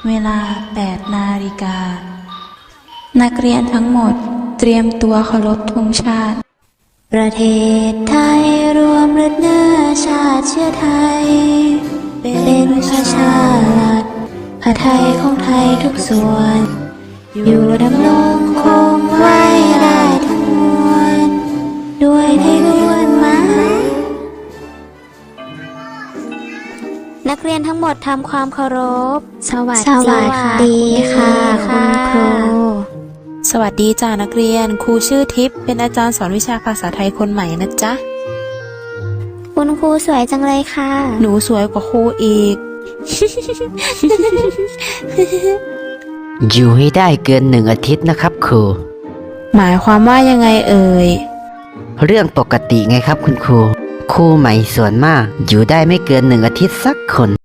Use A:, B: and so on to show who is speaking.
A: เวลา 8 นาฬิกานักเรียนทั้งหมดเตรียมตัวเคารพธงชาติประเทศไทยรวมเลือดเนื้อชาติเชื้อไทยเป็นประชารัฐผ้าไทยของไทยทุกส่วนอยู่ดำรงคงไว้ได้ทั้งมวลด้วยไทยล้วนไม้นักเรียนทั้งหมดทำความเคารพสวัสดีค่ะคุณครูสวัสดีจ้านักเรียนครูชื่อทิพย์เป็นอาจารย์สอนวิชาภาษาไทยคนใหม่นะจ๊ะ
B: คุณครูสวยจังเลยค่ะ
A: หนูสวยกว่าครูอีก
C: อยู่ให้ได้เกิน1 อาทิตย์นะครับครู
A: หมายความว่ายังไงเอ่ย
C: เรื่องปกติไงครับคุณครูครูใหม่ส่วนมากอยู่ได้ไม่เกิน1 อาทิตย์สักคน